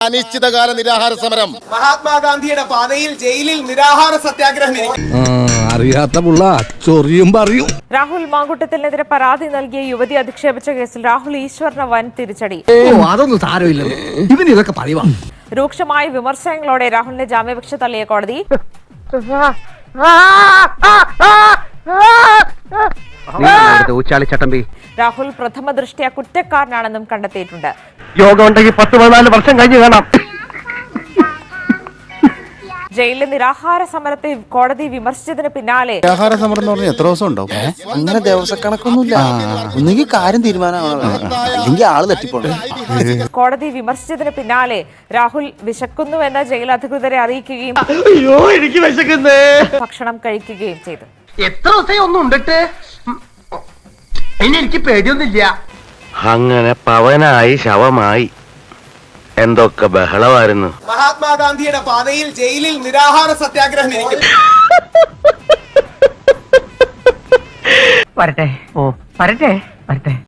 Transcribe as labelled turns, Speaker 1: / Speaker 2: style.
Speaker 1: അനിശ്ചിതകാല നിരാഹാര സമരം.
Speaker 2: മഹാത്മാഗാന്ധിയുടെ പാതയിൽ ജയിലിൽ നിരാഹാര സത്യാഗ്രഹം.
Speaker 3: അറിയാത്ത പുള്ള ചൊറിയും പറയും.
Speaker 4: രാഹുൽ മാങ്കൂട്ടത്തിനെതിരെ പരാതി നൽകിയ യുവതി അധിക്ഷേപിച്ച കേസിൽ രാഹുൽ ഈശ്വറിന് വൻ തിരിച്ചടി.
Speaker 3: അതൊന്നും സാരമില്ല, ഇവന് ഇതൊക്കെ പറയുവാ.
Speaker 4: രൂക്ഷമായ വിമർശനങ്ങളോടെ രാഹുലിന്റെ ജാമ്യാപേക്ഷ തള്ളിയ കോടതി രാഹുൽ പ്രഥമ ദൃഷ്ട്യാ കുറ്റക്കാരനാണെന്നും കണ്ടെത്തിയിട്ടുണ്ട്.
Speaker 5: യോഗം ഉണ്ടെങ്കിൽ 10-14 വർഷം കഴിഞ്ഞ് കാണാം.
Speaker 4: ജയിലിലെ നിരാഹാര സമരത്തെ കോടതി വിമർശിച്ചതിന് പിന്നാലെ
Speaker 1: നിരാഹാര സമരം എന്ന് പറഞ്ഞാൽ എത്ര ദിവസം ഉണ്ടാവും?
Speaker 6: അങ്ങനെ ദിവസക്കണക്കൊന്നുമില്ല. ഒന്നെങ്കിൽ കാര്യം തീരുമാനമാണെങ്കിൽ ആള് തട്ടിപ്പോണം.
Speaker 4: കോടതി വിമർശിച്ചതിന് പിന്നാലെ രാഹുൽ വിശക്കുന്നുവെന്ന് ജയിൽ അധികൃതരെ അറിയിക്കുകയും ഭക്ഷണം കഴിക്കുകയും ചെയ്തു.
Speaker 5: എത്ര ദിവസം ഒന്നും ഉണ്ടിട്ട് ഇനി എനിക്ക് പേടിയൊന്നുമില്ല. അങ്ങനെ പവനായി ശവമായി എന്തൊക്കെ ബഹളമായിരുന്നു.
Speaker 2: മഹാത്മാഗാന്ധിയുടെ പാതയിൽ ജയിലിൽ നിരാഹാര സത്യാഗ്രഹം.
Speaker 5: വരട്ടെ വരട്ടെ.